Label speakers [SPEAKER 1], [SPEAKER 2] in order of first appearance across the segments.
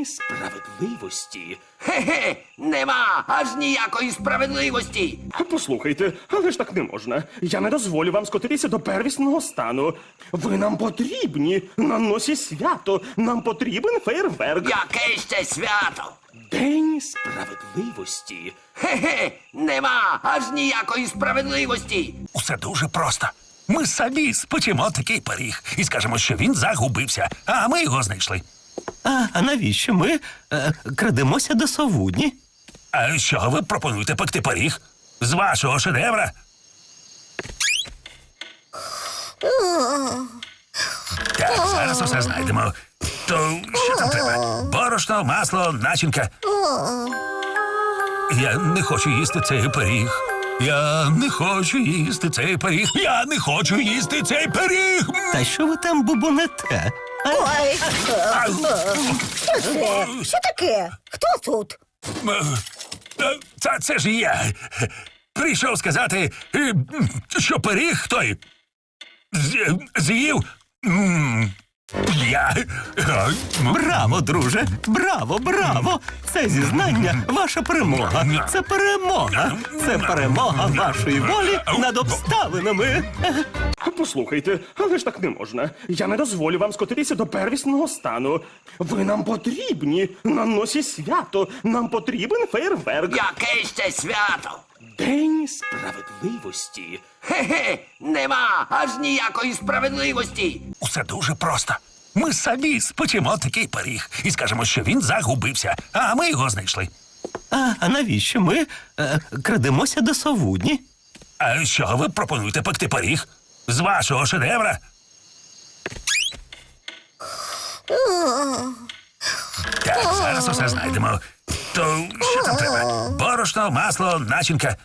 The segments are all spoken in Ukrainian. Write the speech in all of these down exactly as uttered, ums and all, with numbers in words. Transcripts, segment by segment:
[SPEAKER 1] День справедливості.
[SPEAKER 2] Справедливості? Хе-хе, нема аж ніякої справедливості.
[SPEAKER 1] Послухайте, але ж так не можна. Я не дозволю вам скотитися до первісного стану. Ви нам потрібні. На носі свято. Нам потрібен фейерверк.
[SPEAKER 2] Яке ще свято?
[SPEAKER 1] День
[SPEAKER 2] Справедливості? Хе-хе, нема аж ніякої справедливості.
[SPEAKER 3] Усе дуже просто. Ми самі спечемо такий пиріг і скажемо, що він загубився, а ми його знайшли.
[SPEAKER 4] А, а навіщо ми е, крадемося до совудні?
[SPEAKER 3] А що ви пропонуєте пекти пиріг? З вашого шедевра? Так, зараз усе знайдемо. То що там треба? Борошно, масло, начинка. Я не хочу їсти цей пиріг. Я не хочу їсти цей пиріг. Я не хочу їсти цей пиріг.
[SPEAKER 4] Та що ви там бубонете? А,
[SPEAKER 5] Ой,
[SPEAKER 3] А,
[SPEAKER 5] що це? Що таке? Хто тут?
[SPEAKER 3] е, Та це ж я. Прийшов сказати, е, що пиріг той з- з'їв. М, Я. е, м,
[SPEAKER 4] браво, друже! Браво, браво! Це зізнання ваша перемога. Це перемога. Це перемога вашої волі над обставинами.
[SPEAKER 1] Послухайте, але ж так не можна. Я не дозволю вам скотитися до первісного стану. Ви нам потрібні. На носі свято. Нам потрібен фейерверк.
[SPEAKER 2] Яке ще свято?
[SPEAKER 1] День
[SPEAKER 2] Справедливості? Хе-хе, нема аж ніякої справедливості.
[SPEAKER 3] Усе дуже просто. Ми самі спечемо такий пиріг і скажемо, що він загубився, а ми його знайшли.
[SPEAKER 4] А, а навіщо ми е, крадемося до совудні?
[SPEAKER 3] А що ви пропонуєте пекти пиріг? З вашого шедевра? Так, зараз усе знайдемо. То що там треба? Борошно, масло, начинка.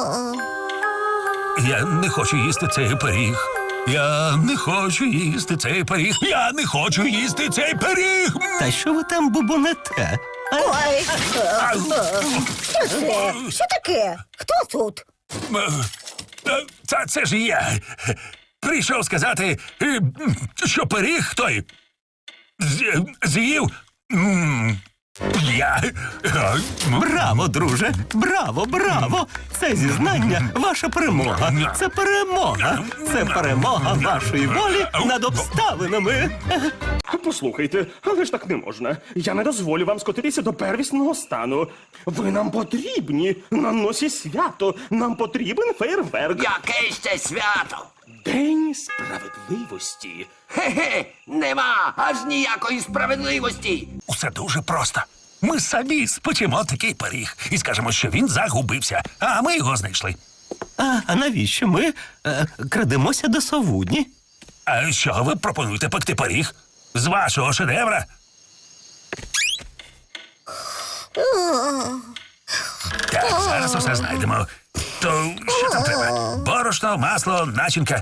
[SPEAKER 3] Я не хочу їсти цей пиріг. Я не хочу їсти цей пиріг. Я не хочу їсти цей пиріг.
[SPEAKER 4] Та що ви там бубонете? А,
[SPEAKER 5] Ой,
[SPEAKER 3] А,
[SPEAKER 5] що це? Що таке? Хто тут?
[SPEAKER 3] е, Та це ж я. Прийшов сказати, е, що пиріг той з- з'їв. М, Я. е, м,
[SPEAKER 4] браво, друже! Браво, браво! Це зізнання ваша перемога. Це перемога. Це перемога вашої волі над обставинами.
[SPEAKER 1] Послухайте, але ж так не можна. Я не дозволю вам скотитися до первісного стану. Ви нам потрібні. На носі свято. Нам потрібен фейерверк.
[SPEAKER 2] Яке ще свято?
[SPEAKER 1] День
[SPEAKER 2] Справедливості? Хе-хе, нема аж ніякої справедливості.
[SPEAKER 3] Усе дуже просто. Ми самі спечемо такий пиріг і скажемо, що він загубився, а ми його знайшли.
[SPEAKER 4] А, а навіщо ми е, крадемося до совудні?
[SPEAKER 3] А що ви пропонуєте пекти пиріг? З вашого шедевра? Так, зараз усе знайдемо. То що там треба? Борошно, масло, начинка.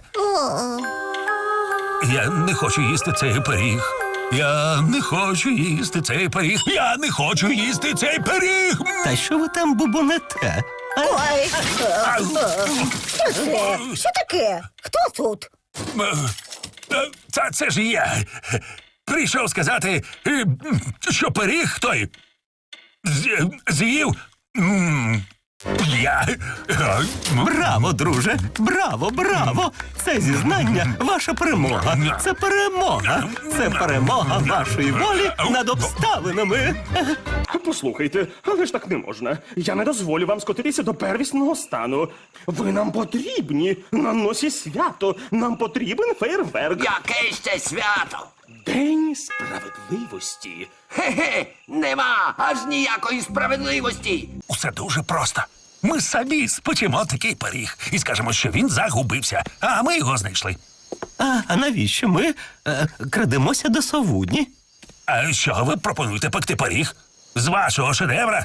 [SPEAKER 3] Я не хочу їсти цей пиріг. Я не хочу їсти цей пиріг. Я не хочу їсти цей пиріг.
[SPEAKER 4] Та що ви там бубонете? А,
[SPEAKER 5] Ой,
[SPEAKER 3] А,
[SPEAKER 5] що це? Що таке? Хто тут?
[SPEAKER 3] е, Та це ж я. Прийшов сказати, е, що пиріг той з- з'їв. М, Я. е, м,
[SPEAKER 4] браво, друже! Браво, браво! Це зізнання ваша перемога. Це перемога. Це перемога вашої волі над обставинами.
[SPEAKER 1] Послухайте, але ж так не можна. Я не дозволю вам скотитися до первісного стану. Ви нам потрібні. На носі свято. Нам потрібен фейерверк.
[SPEAKER 2] Яке ще свято?
[SPEAKER 1] День
[SPEAKER 2] Справедливості? Хе-хе, нема аж ніякої справедливості.
[SPEAKER 3] Усе дуже просто. Ми самі спечемо такий пиріг і скажемо, що він загубився, а ми його знайшли.
[SPEAKER 4] А, а навіщо ми е, крадемося до совудні?
[SPEAKER 3] А що ви пропонуєте пекти пиріг? З вашого шедевра?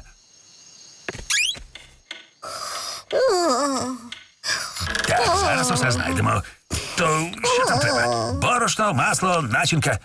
[SPEAKER 3] Так, зараз усе знайдемо. То що там треба? Борошно, масло, начинка.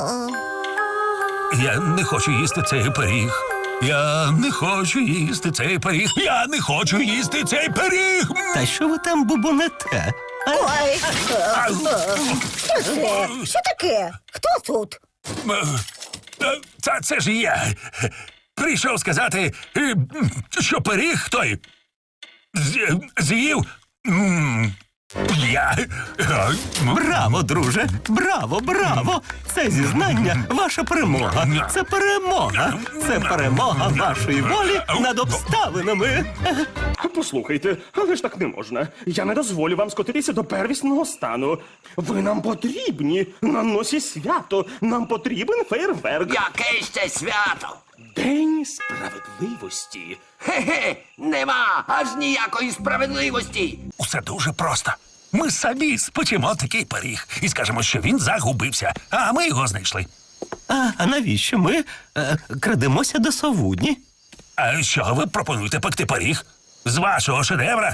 [SPEAKER 3] Я не хочу їсти цей пиріг. Я не хочу їсти цей пиріг. Я не хочу їсти цей пиріг.
[SPEAKER 4] Та що ви там бубонете? А,
[SPEAKER 5] Ой,
[SPEAKER 3] А,
[SPEAKER 5] що це? Що таке? Хто тут?
[SPEAKER 3] Е, Та це ж я. Прийшов сказати, е, що пиріг той з- з'їв. м, Я. Е, м,
[SPEAKER 4] Браво, друже! Браво, браво! Це зізнання ваша перемога. Це перемога. Це перемога вашої волі над обставинами.
[SPEAKER 1] Послухайте, але ж так не можна. Я не дозволю вам скотитися до первісного стану. Ви нам потрібні на носі свято. Нам потрібен фейерверк.
[SPEAKER 2] Яке ще свято?
[SPEAKER 1] День сп...
[SPEAKER 2] Справедливості? Хе-хе, нема аж ніякої справедливості.
[SPEAKER 3] Усе дуже просто. Ми самі спечемо такий пиріг і скажемо, що він загубився, а ми його знайшли.
[SPEAKER 4] А, а навіщо ми е, крадемося до совудні?
[SPEAKER 3] А що ви пропонуєте пекти пиріг? З вашого шедевра?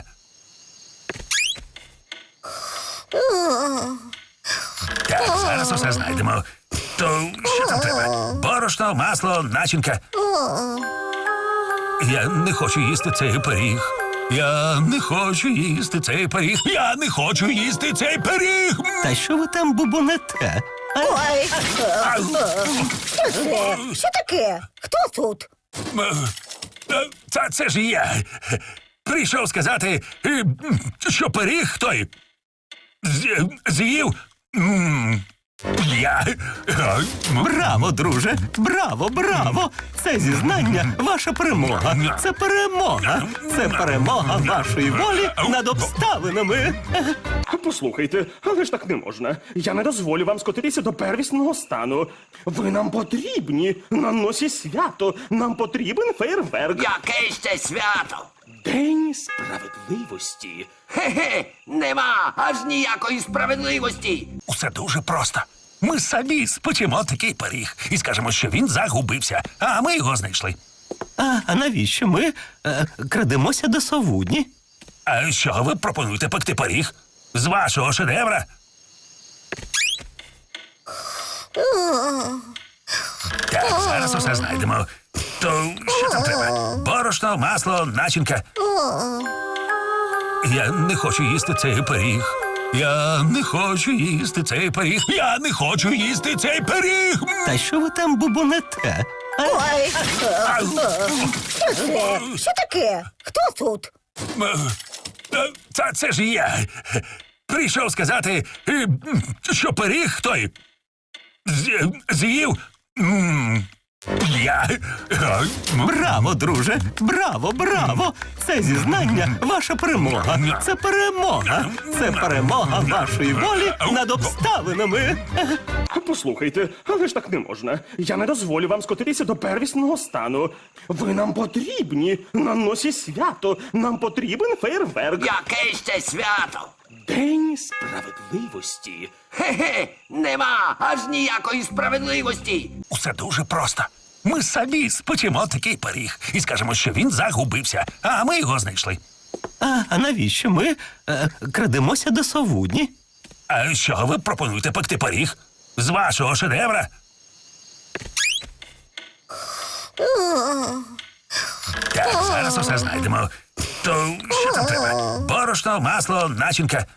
[SPEAKER 3] Так, зараз усе знайдемо. То що там треба? Борошно, масло, начинка. Я не хочу їсти цей пиріг. Я не хочу їсти цей пиріг. Я не хочу їсти цей пиріг.
[SPEAKER 4] Та що ви там бубонете? А,
[SPEAKER 5] Ой,
[SPEAKER 3] Ау.
[SPEAKER 5] що це? Що таке? Хто тут?
[SPEAKER 3] Е, Та це ж я. Прийшов сказати, е, що пиріг той з- з'їв. м, Я. Е, м,
[SPEAKER 4] Браво, друже! Браво, браво! Це зізнання ваша перемога. Це перемога. Це перемога вашої волі над обставинами.
[SPEAKER 1] Послухайте, але ж так не можна. Я не дозволю вам скотитися до первісного стану. Ви нам потрібні на носі свято. Нам потрібен фейерверк.
[SPEAKER 2] Яке ще свято?
[SPEAKER 1] День сп...
[SPEAKER 2] Справедливості? Хе-хе, нема аж ніякої справедливості.
[SPEAKER 3] Усе дуже просто. Ми самі спечемо такий пиріг і скажемо, що він загубився, а ми його знайшли.
[SPEAKER 4] А, а навіщо ми е, крадемося до совудні?
[SPEAKER 3] А що ви пропонуєте пекти пиріг? З вашого шедевра? Так, зараз усе знайдемо. То що там треба? Борошно, масло, начинка. Я не хочу їсти цей пиріг. Я не хочу їсти цей пиріг. Я не хочу їсти цей пиріг.
[SPEAKER 4] Та що ви там бубонете? А,
[SPEAKER 5] Ой,
[SPEAKER 3] Ау.
[SPEAKER 5] що це? Що таке? Хто тут?
[SPEAKER 3] Е, Та це ж я. Прийшов сказати, е, що пиріг той з- з'їв. м, Я. Е, м,
[SPEAKER 4] Браво, друже! Браво, браво! Це зізнання ваша перемога. Це перемога. Це перемога вашої волі над обставинами.
[SPEAKER 1] Послухайте, але ж так не можна. Я не дозволю вам скотитися до первісного стану. Ви нам потрібні на носі свято. Нам потрібен фейерверк.
[SPEAKER 2] Яке ще свято?
[SPEAKER 1] День сп...
[SPEAKER 2] Справедливості? Хе-хе, нема аж ніякої справедливості.
[SPEAKER 3] Усе дуже просто. Ми самі спечемо такий пиріг і скажемо, що він загубився, а ми його знайшли.
[SPEAKER 4] А, а навіщо ми е, крадемося до совудні?
[SPEAKER 3] А що ви пропонуєте пекти пиріг? З вашого шедевра? Так, зараз усе знайдемо. То що там треба? Борошно, масло, начинка.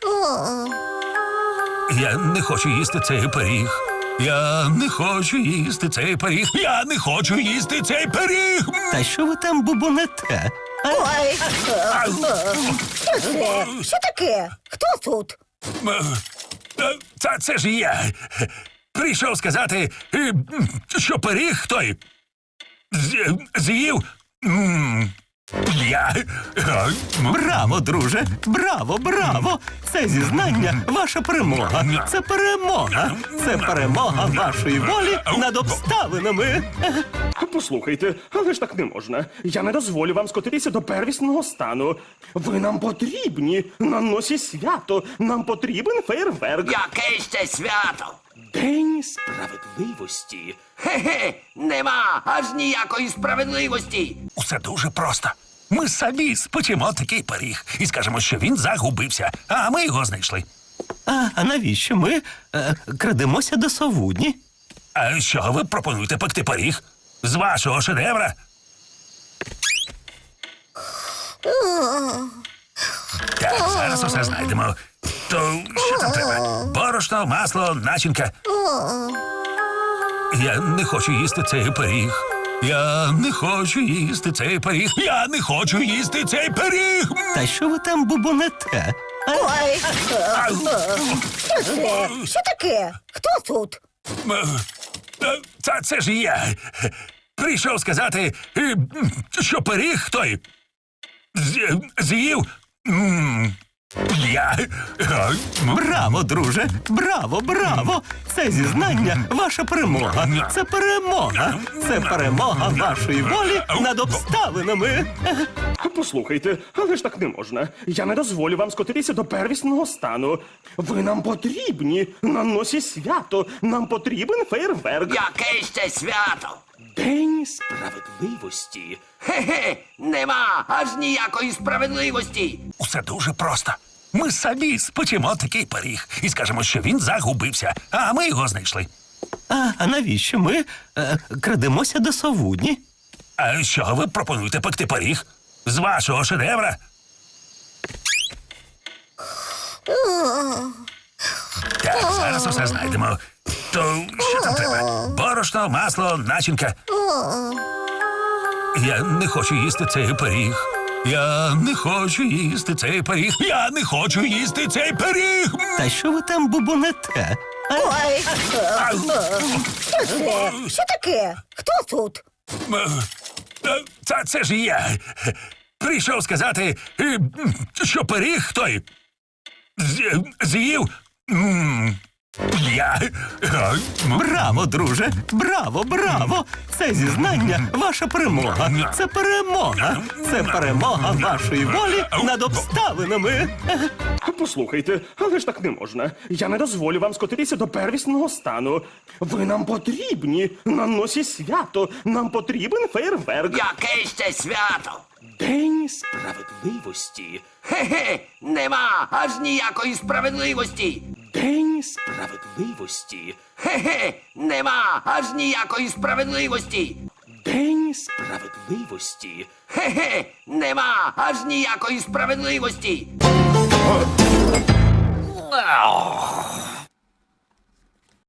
[SPEAKER 3] Я не хочу їсти цей пиріг. Я не хочу їсти цей пиріг. Я не хочу їсти цей пиріг.
[SPEAKER 4] Та що ви там бубонете? А,
[SPEAKER 5] Ой,
[SPEAKER 3] Ау.
[SPEAKER 5] що це? Що таке? Хто тут?
[SPEAKER 3] Е, Та це ж я. Прийшов сказати, е, що пиріг той з- з'їв. м, Я. Е, м,
[SPEAKER 4] Браво, друже! Браво, браво! Це зізнання ваша перемога. Це перемога. Це перемога вашої волі над обставинами.
[SPEAKER 1] Послухайте, але ж так не можна. Я не дозволю вам скотитися до первісного стану. Ви нам потрібні на носі свято. Нам потрібен фейерверк.
[SPEAKER 2] Яке ще свято?
[SPEAKER 1] День сп...
[SPEAKER 2] Справедливості? Хе-хе, нема аж ніякої справедливості.
[SPEAKER 3] Усе дуже просто. Ми самі спечемо такий пиріг і скажемо, що він загубився, а ми його знайшли.
[SPEAKER 4] А, а навіщо ми е, крадемося до совудні?
[SPEAKER 3] А що ви пропонуєте пекти пиріг? З вашого шедевра? Так, зараз усе знайдемо. То що там треба? Борошно, масло, начинка. Я не хочу їсти цей пиріг. Я не хочу їсти цей пиріг. Я не хочу їсти цей пиріг.
[SPEAKER 4] Та що ви там бубонете? А?
[SPEAKER 5] Ой, що це? Що таке? Хто тут?
[SPEAKER 3] Е, Це, це ж я. Прийшов сказати, е, що пиріг той з- з'їв. м, Я. Е,
[SPEAKER 4] Браво, друже! Браво, браво! Це зізнання ваша перемога. Це перемога. Це перемога вашої волі над обставинами.
[SPEAKER 1] Послухайте, але ж так не можна. Я не дозволю вам скотитися до первісного стану. Ви нам потрібні на носі свято. Нам потрібен фейерверк.
[SPEAKER 2] Яке ще свято?
[SPEAKER 1] День сп...
[SPEAKER 2] Справедливості? Хе-хе, нема аж ніякої справедливості.
[SPEAKER 3] Усе дуже просто. Ми самі спечемо такий пиріг і скажемо, що він загубився, а ми його знайшли.
[SPEAKER 4] А, а навіщо ми е, крадемося до совудні?
[SPEAKER 3] А що ви пропонуєте пекти пиріг? З вашого шедевра? Так, зараз усе знайдемо. То що там треба? Борошно, масло, начинка. Я не хочу їсти цей пиріг. Я не хочу їсти цей пиріг. Я не хочу їсти цей пиріг.
[SPEAKER 4] Та що ви там бубонете? А?
[SPEAKER 5] Ой,
[SPEAKER 3] Ау.
[SPEAKER 5] що це? Що таке? Хто тут?
[SPEAKER 3] Е, Це, це ж я. Прийшов сказати, е, що пиріг той з- з'їв. м, Я. Е,
[SPEAKER 4] Браво, друже! Браво, браво! Це зізнання ваша перемога. Це перемога. Це перемога вашої волі над обставинами.
[SPEAKER 1] Послухайте, але ж так не можна. Я не дозволю вам скотитися до первісного стану. Ви нам потрібні на носі свято. Нам потрібен фейерверк.
[SPEAKER 2] Яке ще свято?
[SPEAKER 1] День сп...
[SPEAKER 2] Справедливості? Хе-хе, нема аж ніякої справедливості.
[SPEAKER 1] День сп...
[SPEAKER 2] Справедливості? Хе-хе, нема аж ніякої справедливості.
[SPEAKER 1] День сп...
[SPEAKER 2] Справедливості? Хе-хе, нема аж ніякої справедливості.